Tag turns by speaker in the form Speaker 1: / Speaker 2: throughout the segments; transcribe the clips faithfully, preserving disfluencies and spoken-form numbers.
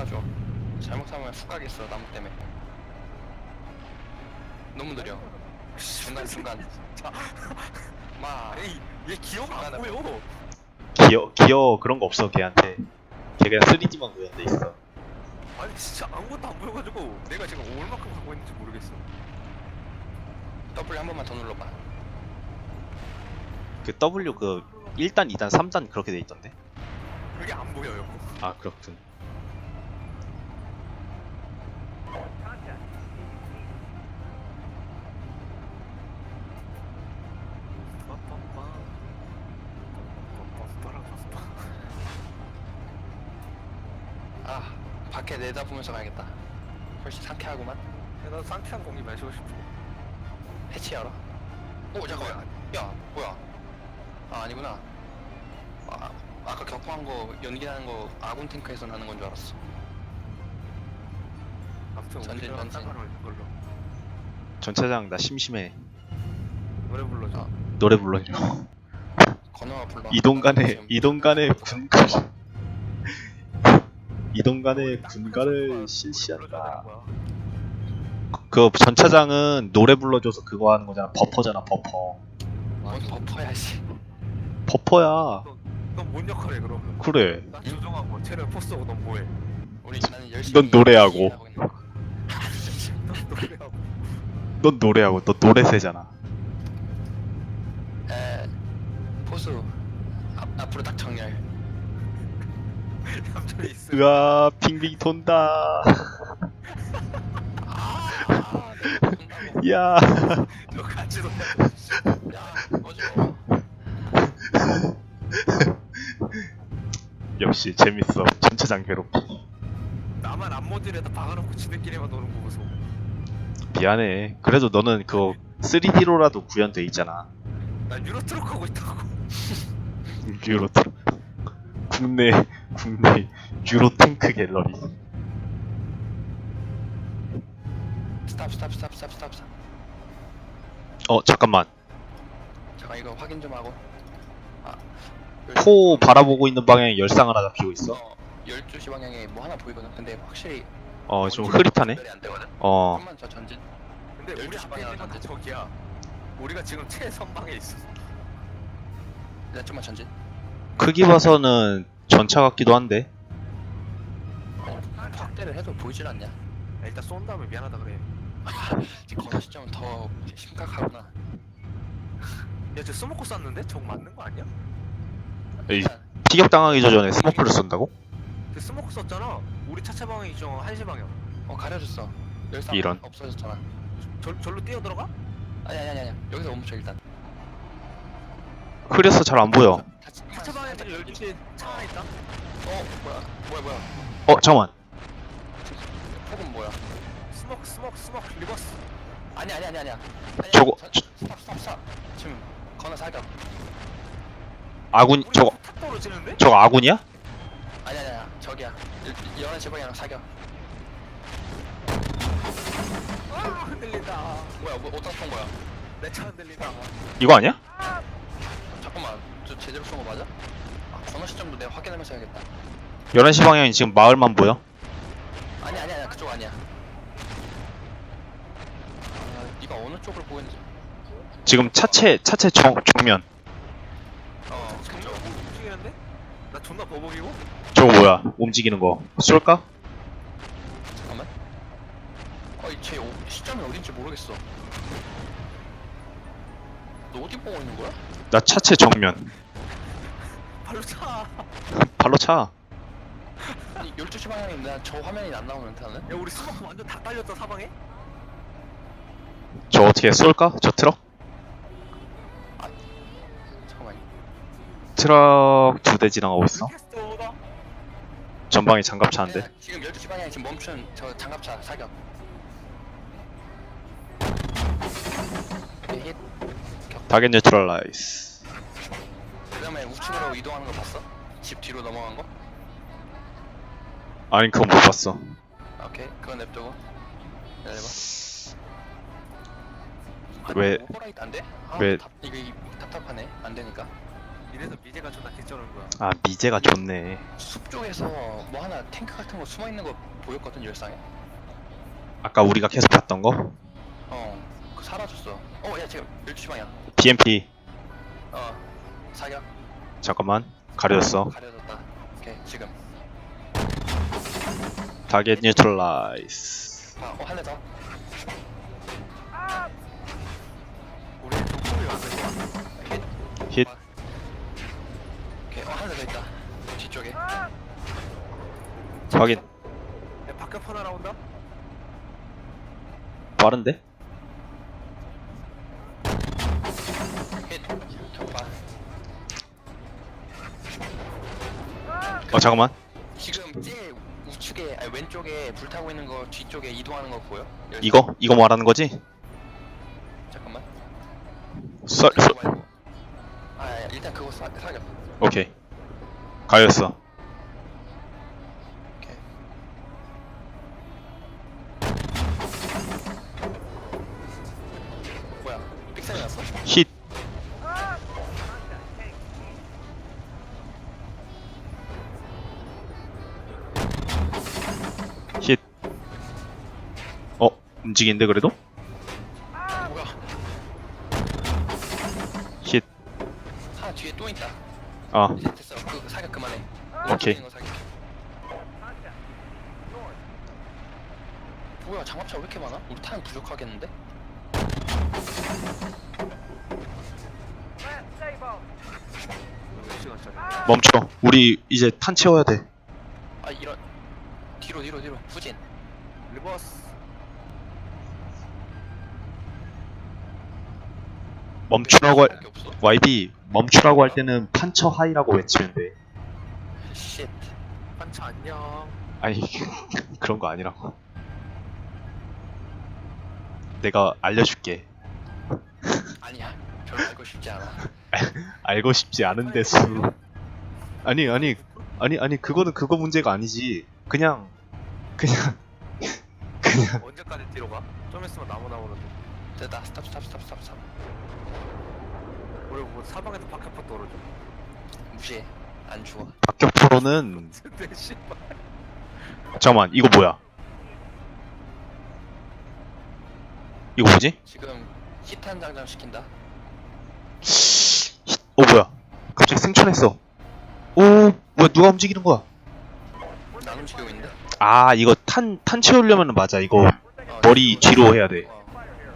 Speaker 1: 잡아줘. 잘못 잡으면 훅 가겠어 나무 때문에. 너무 느려. 중간 중간. 마.
Speaker 2: 에이 얘 기어가 안
Speaker 1: 중간에
Speaker 2: 보여.
Speaker 3: 기어 기어 그런 거 없어 걔한테. 걔 그냥 쓰리디만 구현돼 있어.
Speaker 2: 아니 진짜 아무것도 안 보여가지고 내가 지금 얼마큼 가고 있는지 모르겠어.
Speaker 1: W 한 번만 더 눌러봐.
Speaker 3: 그 W 그 일 단, 이 단, 삼 단 그렇게 돼 있던데.
Speaker 2: 그게 안 보여요.
Speaker 3: 아 그렇군.
Speaker 1: 아 밖에 내다보면서 가야겠다. 훨씬 상쾌하구만.
Speaker 2: 나도 상쾌한 공기 마시고 싶어.
Speaker 1: 해치 알아? 오 잠깐만. 야 뭐야? 아 아니구나. 아 아까 격파한 거 연기하는 거 아군 탱크에서 나는 건 줄 알았어.
Speaker 2: 아무튼
Speaker 1: 전진,
Speaker 2: 우리랑
Speaker 1: 전진.
Speaker 2: 상관없는 걸로
Speaker 3: 전차장 나 심심해.
Speaker 2: 노래 불러줘.
Speaker 1: 어.
Speaker 3: 노래 불러줘.
Speaker 1: 건너가 불러.
Speaker 3: 이동 간에
Speaker 1: 지금
Speaker 3: 이동 간에 군가 이동 간에 군가를 실시한다. 그 전차장은 노래 불러줘서 그거 하는 거잖아. 버퍼잖아 버퍼.
Speaker 1: 뭔 버퍼야 씨.
Speaker 3: 버퍼야.
Speaker 2: 넌뭔 역할해 그러면?
Speaker 3: 그래.
Speaker 2: 난 조종하고 쟤는 포스하고 넌 뭐해?
Speaker 1: 우리 나는 열심히.
Speaker 3: 넌 노래하고.
Speaker 1: 하고 있는 거야.
Speaker 2: 넌 노래하고.
Speaker 3: 넌 노래하고 너 노래새잖아.
Speaker 1: 에 포수 앞 앞으로 딱 정렬.
Speaker 2: 얌전히 있어.
Speaker 3: 으아 빙빙 돈다.
Speaker 1: 아, 내가 본다고.
Speaker 3: 야.
Speaker 2: 너 같이 놀아.
Speaker 1: 야, 꺼져.
Speaker 3: 역시 재밌어. 전차장 괴롭히.
Speaker 2: 나만 앞모듈에다 박아놓고 지들끼리만 노는 거 보소.
Speaker 3: 미안해. 그래도 너는 그거 쓰리디로라도 구현돼 있잖아.
Speaker 2: 난 유로트럭 하고 있다고.
Speaker 3: 유로트 국내 국내 유로 탱크 갤러리.
Speaker 1: 스탑 스탑 스탑 스탑 스탑 스탑.
Speaker 3: 어 잠깐만.
Speaker 1: 잠깐 이거 확인 좀 하고. 아,
Speaker 3: 포 바라보고 있는 방향에 열상 하나 잡히고 있어.
Speaker 1: 어, 열두 시 방향에 뭐 하나 보이거든. 근데 확실히
Speaker 3: 어 좀 흐릿하네.
Speaker 1: 전달이 안 되거든.
Speaker 3: 어
Speaker 1: 좀만 더 전진.
Speaker 2: 근데 우리
Speaker 1: 열두 시
Speaker 2: 앞에 있는
Speaker 1: 방향으로
Speaker 2: 건 다 저기야. 우리가 지금 최선방에 있어.
Speaker 1: 일단 좀만 전진.
Speaker 3: 크기 봐서는 전차 같기도 한데.
Speaker 1: 어, 확대를 해도 보이질 않냐?
Speaker 2: 야, 일단 쏜 다음에 미안하다 그래.
Speaker 1: 지금 건너 시점은 더 심각하구나.
Speaker 2: 야, 저 스모크 쐈는데? 저거 맞는 거 아니야?
Speaker 3: 에이, 피격 당하기 전에 스모크를 쏜다고?
Speaker 2: 그 스모크 썼잖아. 우리 차체 방향이죠. 한시 방향.
Speaker 1: 어 가려졌어. 열상
Speaker 3: 이런.
Speaker 1: 없어졌잖아.
Speaker 2: 절 절로 뛰어 들어가?
Speaker 1: 아니 아니 아니 아니. 여기서 멈춰 일단.
Speaker 3: 흐려서 잘 안 보여.
Speaker 1: 차체,
Speaker 2: 차체 방향에 열두 시에 차 하나 있다.
Speaker 1: 어 뭐야 뭐야 뭐야.
Speaker 3: 어 잠깐만.
Speaker 1: 폭은 뭐야?
Speaker 2: 스모크 스모크 스모크 리버스.
Speaker 1: 아니 아니 아니 아니야. 아니야.
Speaker 3: 저거,
Speaker 1: 저,
Speaker 3: 저-
Speaker 1: 스탑 스탑 스탑. 지금 건너 사격.
Speaker 3: 아군
Speaker 2: 우리
Speaker 3: 저거
Speaker 2: 탁 떨어지는데?
Speaker 3: 저거 아군이야?
Speaker 1: 아니 아니 아니야. 저기야. 열한 시 방향 사격.
Speaker 2: 아 흔들린다.
Speaker 1: 뭐야 뭐 어디다 쏜 거야?
Speaker 2: 내 차 흔들린다.
Speaker 3: 이거 아니야?
Speaker 1: 잠깐만. 저 제대로 쏜 거 맞아? 아 건너 시점도 내가 확인하면서 해야겠다.
Speaker 3: 열한 시 방향이 지금 마을만 보여?
Speaker 1: 아니 아니 아니야. 그쪽 아니야. 아, 네가 어느 쪽을 보고 있는지.
Speaker 3: 지금 차체 차체 정, 정면.
Speaker 1: 어
Speaker 2: 존나
Speaker 1: 그쪽.
Speaker 2: 뭐 움직이는데? 나 존나 버벅이고?
Speaker 3: 저거 뭐야? 움직이는 거. 쏠까?
Speaker 1: 잠깐만. 어이 쟤 어, 시점이 어딘지 모르겠어. 너 어디 보고 있는 거야?
Speaker 3: 나 차체 정면.
Speaker 2: 발로 차.
Speaker 3: 발로 차.
Speaker 1: 아니 열두 시 방향에 나 저 화면이 안 나오는데 나는?
Speaker 2: 야 우리 스모크 완전 다 딸렸다 사방에?
Speaker 3: 저 어떻게 쏠까? 저 트럭?
Speaker 1: 잠깐만.
Speaker 3: 트럭 두 대 지나가고 있어.
Speaker 2: 캐스트 오더.
Speaker 3: 전방에 장갑 차는데.
Speaker 1: 네, 지금 열두 시 방향에 지금 멈춘 저 장갑차 사격. 오케이, 힛.
Speaker 3: 타겟 뉴트럴라이즈.
Speaker 1: 그 다음에 우측으로 이동하는 거 봤어? 집 뒤로 넘어간 거?
Speaker 3: 아니 그건 못 봤어.
Speaker 1: 오케이 그건 냅두고 기다려봐. 아,
Speaker 3: 왜-
Speaker 1: 오버라이트 안 돼? 아,
Speaker 3: 왜-
Speaker 1: 답, 이거 이- 답답하네 안 되니까.
Speaker 2: 이래서 미제가 존나 개쩌는 거야.
Speaker 3: 아 미제가 좋네.
Speaker 1: 숲 쪽에서 뭐 하나 탱크 같은 거 숨어 있는 거 보였거든 열상에.
Speaker 3: 아까 우리가 계속 봤던 거
Speaker 1: 어, 그 사라졌어. 어, 야 지금 열두 시 방향.
Speaker 3: 비엠피.
Speaker 1: 어, 사격
Speaker 3: 잠깐만 가려졌어.
Speaker 1: 가려졌다. 오케이 지금.
Speaker 3: 타겟 뉴트럴라이즈.
Speaker 1: 아, 어, 한 대 더.
Speaker 2: 우리 동품이 왔는 거야.
Speaker 1: 힛.
Speaker 3: 힛.
Speaker 1: 오케이, 어, 한 대 더 있다. 뒤쪽에.
Speaker 3: 확인.
Speaker 2: 야, 바깥 하나 나온다?
Speaker 3: 빠른데?
Speaker 1: 힛. 격파.
Speaker 3: 어 잠깐만.
Speaker 1: 지금 제일 우측에, 아니 왼쪽에 불타고 있는 거 뒤쪽에 이동하는 거 보여? 열상.
Speaker 3: 이거 이거 말하는 거지?
Speaker 1: 잠깐만.
Speaker 3: 썰, 썰.
Speaker 1: 그거 말고. 아, 야, 일단 그거 사, 사격.
Speaker 3: 오케이. 가렸어.
Speaker 1: 오케이. 뭐야? 삑사리 났어?
Speaker 3: 힛. 힛. 어 움직이는데 그래도?
Speaker 1: 뭐야?
Speaker 3: 힛.
Speaker 1: 하나 뒤에 또 있다.
Speaker 3: 아
Speaker 1: 이제 됐어. 그 사격 그만해.
Speaker 3: 오케이.
Speaker 1: 움직이는 거 사격. 뭐야? 장갑차 왜 이렇게 많아? 우리 탄 부족하겠는데?
Speaker 2: 몇 시간짜리?
Speaker 3: 멈춰. 우리 이제 탄 채워야 돼.
Speaker 1: 아 이런. 뒤로 뒤로 뒤로. 후진.
Speaker 2: 리버스.
Speaker 3: 멈추라고 할
Speaker 1: 밖에 없어?
Speaker 3: 와이비 멈추라고 할 때는 판처 하이라고 외치면 돼.
Speaker 1: 쉣.
Speaker 2: 반차 안녕.
Speaker 3: 아니 그런 거 아니라고. 내가 알려줄게.
Speaker 1: 아니야. 별로 알고 싶지 않아.
Speaker 3: 알고 싶지 않은데 수. 아니 아니 아니 아니 그거는 그거 문제가 아니지. 그냥 그냥 그냥
Speaker 2: 언제까지 뒤로 가? 좀 있으면 나무 나오는데.
Speaker 1: 됐다. 스탑 스탑 스탑 스탑 스탑.
Speaker 2: 우리 뭐 사방에서 바깥포 떨어져.
Speaker 1: 무시해. 안 죽어.
Speaker 3: 박격포로는
Speaker 2: 근데 씨발.
Speaker 3: 잠깐만 이거 뭐야? 이거 뭐지?
Speaker 1: 지금 히탄 장전 시킨다.
Speaker 3: 어 뭐야? 갑자기 승천했어. 오 뭐야 누가 움직이는 거야?
Speaker 1: 난 움직이고 있는데?
Speaker 3: 아 이거 탄 탄 채우려면 맞아 이거
Speaker 1: 어,
Speaker 3: 머리 뒤로 해야 돼.
Speaker 1: 어.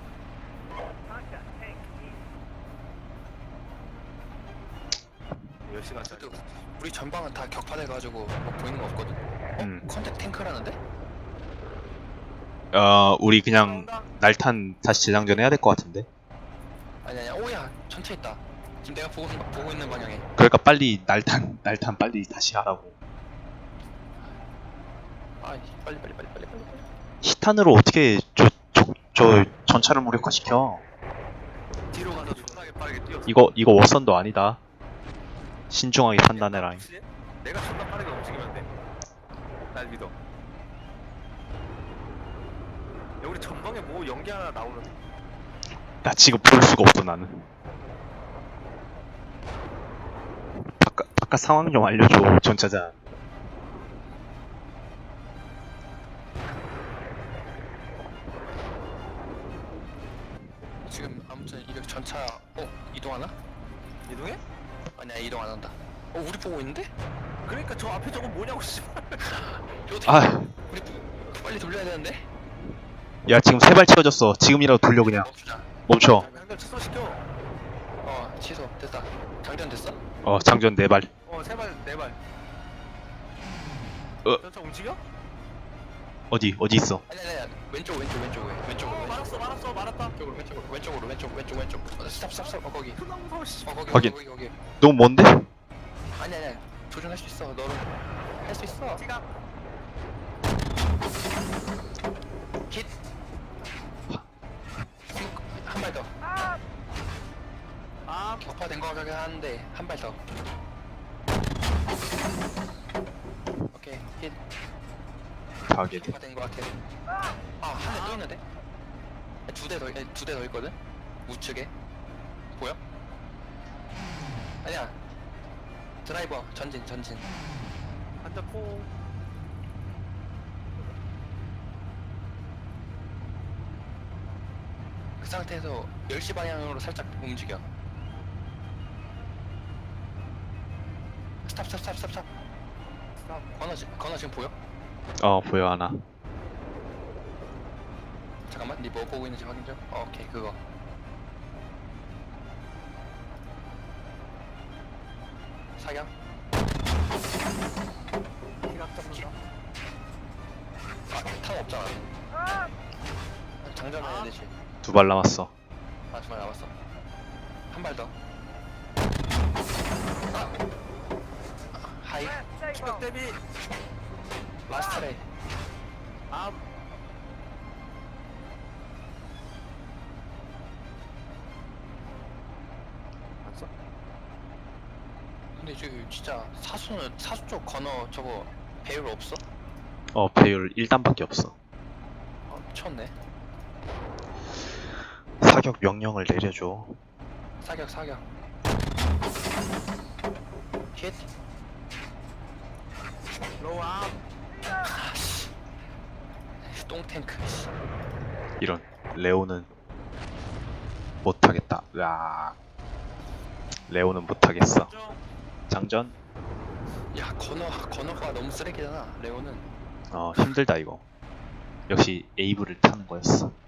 Speaker 2: 몇 시간짜리?
Speaker 1: 그래도 우리 전방은 다 격파돼가지고 뭐 보이는 거 없거든? 어?
Speaker 3: 음.
Speaker 1: 컨택 탱크라는데?
Speaker 3: 어 우리 그냥
Speaker 2: 나온다?
Speaker 3: 날탄 다시 재장전 해야 될 것 같은데.
Speaker 1: 아니 아니야. 오야 전체 있다. 지금 내가 보고, 보고 있는 방향에.
Speaker 3: 그러니까 빨리 날탄 날탄 빨리 다시 하라고.
Speaker 1: 아 빨리 빨리 빨리 빨리 빨리.
Speaker 3: 히탄으로 어떻게 저 저 저 전차를 무력화시켜?
Speaker 2: 뒤로 가서 존나게 빠르게 뛰어.
Speaker 3: 이거 이거 워선도 아니다. 신중하게 판단해라.
Speaker 2: 혹시 내가 존나 빠르게 움직이면 돼. 날 믿어. 야, 우리 전방에 뭐 연기 하나 나오는데?
Speaker 3: 나 지금 볼 수가 없어 나는. 바깥 바깥 상황 좀 알려줘 전차장.
Speaker 1: 지금 아무튼 이렇게 전차 어 이동하나?
Speaker 2: 이동해?
Speaker 1: 아니야 이동 안 한다. 어 우리 보고 있는데?
Speaker 2: 그러니까 저 앞에 저거 뭐냐고 씨발.
Speaker 1: 이거 어떻게
Speaker 3: 아,
Speaker 1: 우리 빨리 돌려야 되는데?
Speaker 3: 야 지금 세 발 채워졌어. 지금이라도 돌려 그냥.
Speaker 1: 멈추자.
Speaker 3: 멈춰.
Speaker 2: 장전 취소시켜.
Speaker 1: 어 취소 됐다. 장전 됐어?
Speaker 3: 어 장전 네 발.
Speaker 2: 어, 세 발, 네 발.
Speaker 3: 어.
Speaker 2: 전차 움직여?
Speaker 3: 어디 어디 있어?
Speaker 1: 아니 아니 아니 왼쪽 왼쪽 왼쪽 왼쪽으로
Speaker 2: 어,
Speaker 1: 왼쪽.
Speaker 2: 말았어, 말았어, 말았다.
Speaker 1: 왼쪽으로 왼쪽으로 왼쪽으로 왼쪽 왼쪽 왼쪽. 어, 스탑 스탑 스탑. 어 거기.
Speaker 2: 존나 무서워, 씨.
Speaker 1: 어 거기
Speaker 3: 확인.
Speaker 1: 거기 거기. 거기.
Speaker 3: 너무 먼데?
Speaker 1: 아니 아니 조준할 수 있어. 너는 할 수 있어.
Speaker 2: 지각.
Speaker 1: 킷. 한 발 더.
Speaker 2: 아,
Speaker 1: 격파된 거 같긴 한데 한 발 더. 오케이 킷.
Speaker 3: 타겟.
Speaker 1: 격파된 거 같아. 아 한 대 또 있는데? 두 대 더 두 대 더 있거든. 우측에 보여? 아니야 드라이버 전진 전진.
Speaker 2: 한자 포.
Speaker 1: 그 상태에서 열 시 방향으로 살짝 움직여. 스탑 스탑 스탑 스탑 스탑.
Speaker 2: 스탑.
Speaker 1: 건너 지- 건너 지금 보여?
Speaker 3: 어 보여 하나.
Speaker 1: 잠깐만, 니 뭐 보고 있는지 확인 좀. 어, 오케이, 그거. 사격.
Speaker 2: 기각 잡는다.
Speaker 1: 아, 탄 없잖아. 장전해야 되지.
Speaker 3: 두 발 남았어.
Speaker 1: 아, 정말 남았어. 한 발 더. 아! 하이.
Speaker 2: 기각 대비.
Speaker 1: 라스트레이.
Speaker 2: 암. 안 써?
Speaker 1: 근데 저기 진짜 사수는, 사수 쪽 건너 저거 배율 없어?
Speaker 3: 어 배율 일 단밖에 없어.
Speaker 1: 아, 미쳤네.
Speaker 3: 사격 명령을 내려줘.
Speaker 1: 사격, 사격. 힛.
Speaker 2: 로우 암.
Speaker 1: 아씨. 똥탱크. 씨.
Speaker 3: 이런 레오는 못하겠다. 으아. 레오는 못하겠어.
Speaker 2: 좀.
Speaker 3: 장전.
Speaker 1: 야, 건너, 건너가 너무 쓰레기잖아, 레오는.
Speaker 3: 어 힘들다 이거. 역시 에이브를 타는 거였어.